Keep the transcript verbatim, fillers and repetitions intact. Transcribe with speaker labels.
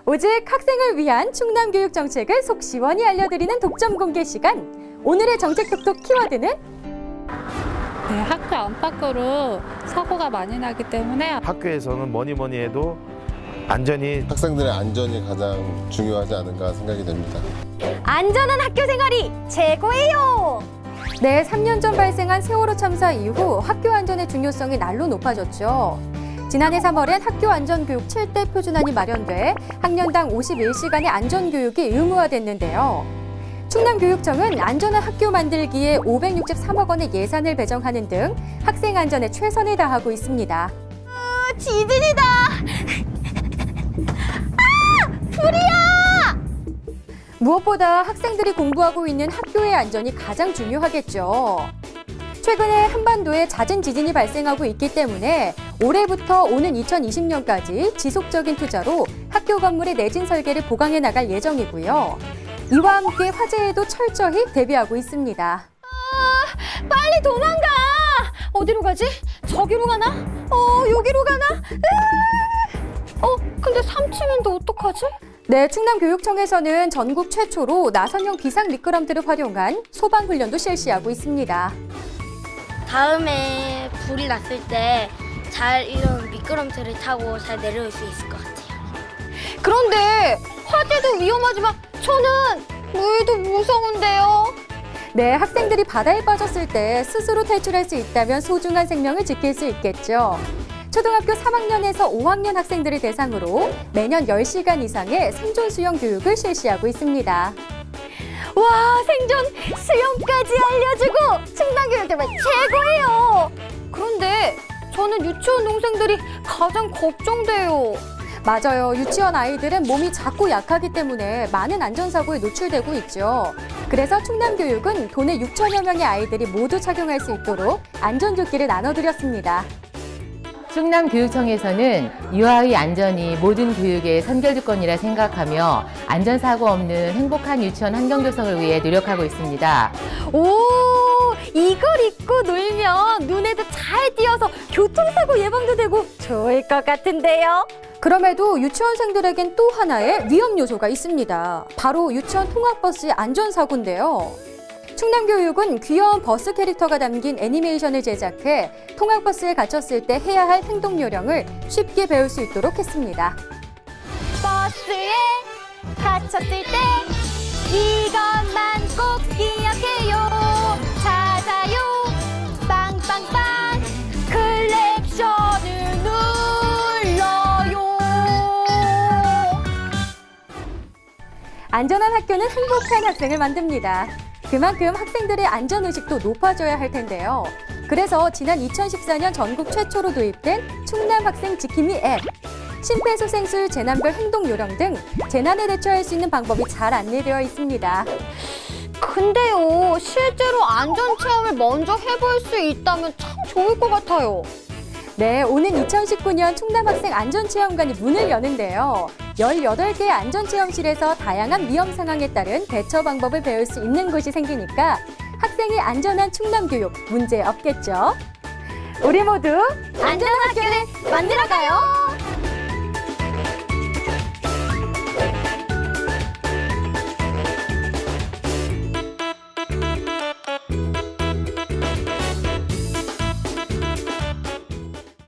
Speaker 1: 오직 학생을 위한 충남 교육 정책을 속 시원히 알려드리는 독점 공개 시간. 오늘의 정책 톡톡 키워드는
Speaker 2: 네, 학교 안팎으로 사고가 많이 나기 때문에
Speaker 3: 학교에서는 뭐니 뭐니 해도 안전이
Speaker 4: 학생들의 안전이 가장 중요하지 않은가 생각이 됩니다.
Speaker 5: 안전한 학교 생활이 최고예요.
Speaker 1: 네, 삼 년 전 발생한 세월호 참사 이후 학교 안전의 중요성이 날로 높아졌죠. 지난해 삼월엔 학교 안전교육 칠 대 표준안이 마련돼 학년당 오십일 시간의 안전교육이 의무화됐는데요. 충남교육청은 안전한 학교 만들기에 오백육십삼억 원의 예산을 배정하는 등 학생 안전에 최선을 다하고 있습니다.
Speaker 5: 어, 지진이다. 아! 불이야!
Speaker 1: 무엇보다 학생들이 공부하고 있는 학교의 안전이 가장 중요하겠죠. 최근에 한반도에 잦은 지진이 발생하고 있기 때문에 올해부터 오는 이천이십 년까지 지속적인 투자로 학교 건물의 내진 설계를 보강해 나갈 예정이고요. 이와 함께 화재에도 철저히 대비하고 있습니다.
Speaker 5: 아, 빨리 도망가. 어디로 가지? 저기로 가나? 어, 여기로 가나? 으아! 어, 근데 삼 층인데 어떡하지?
Speaker 1: 네, 충남교육청에서는 전국 최초로 나선형 비상 미끄럼틀을 활용한 소방 훈련도 실시하고 있습니다.
Speaker 6: 다음에 불이 났을 때 잘 이런 미끄럼틀을 타고 잘 내려올 수 있을 것 같아요.
Speaker 5: 그런데 화재도 위험하지만 저는 물도 무서운데요.
Speaker 1: 네, 학생들이 바다에 빠졌을 때 스스로 탈출할 수 있다면 소중한 생명을 지킬 수 있겠죠. 초등학교 삼 학년에서 오 학년 학생들을 대상으로 매년 열 시간 이상의 생존 수영 교육을 실시하고 있습니다.
Speaker 5: 와, 생존 수영까지 알려주고 충남교육 정말 최고예요. 그런데 저는 유치원 동생들이 가장 걱정돼요.
Speaker 1: 맞아요. 유치원 아이들은 몸이 작고 약하기 때문에 많은 안전사고에 노출되고 있죠. 그래서 충남교육은 도내 육천여 명의 아이들이 모두 착용할 수 있도록 안전조끼를 나눠드렸습니다.
Speaker 7: 충남교육청에서는 유아의 안전이 모든 교육의 선결조건이라 생각하며 안전사고 없는 행복한 유치원 환경 조성을 위해 노력하고 있습니다.
Speaker 5: 오, 이걸 입고 놀면 눈에도 잘 띄어서 교통사고 예방도 되고 좋을 것 같은데요.
Speaker 1: 그럼에도 유치원생들에겐 또 하나의 위험 요소가 있습니다. 바로 유치원 통학버스의 안전사고인데요. 충남교육은 귀여운 버스 캐릭터가 담긴 애니메이션을 제작해 통학버스에 갇혔을 때 해야 할 행동 요령을 쉽게 배울 수 있도록 했습니다.
Speaker 5: 버스에 갇혔을 때 이것만 꼭 기억해요. 찾아요. 빵빵빵. 클렉션을 눌러요.
Speaker 1: 안전한 학교는 행복한 학생을 만듭니다. 그만큼 학생들의 안전의식도 높아져야 할 텐데요. 그래서 지난 이천십사 년 전국 최초로 도입된 충남 학생 지킴이 앱. 심폐소생술, 재난별 행동 요령 등 재난에 대처할 수 있는 방법이 잘 안내되어 있습니다.
Speaker 5: 근데요, 실제로 안전체험을 먼저 해볼 수 있다면 참 좋을 것 같아요.
Speaker 1: 네, 오는 이천십구 년 충남학생 안전체험관이 문을 여는데요. 열여덟 개의 안전체험실에서 다양한 위험 상황에 따른 대처 방법을 배울 수 있는 곳이 생기니까 학생의 안전한 충남교육 문제 없겠죠? 우리 모두
Speaker 5: 안전한 학교를 만들어가요.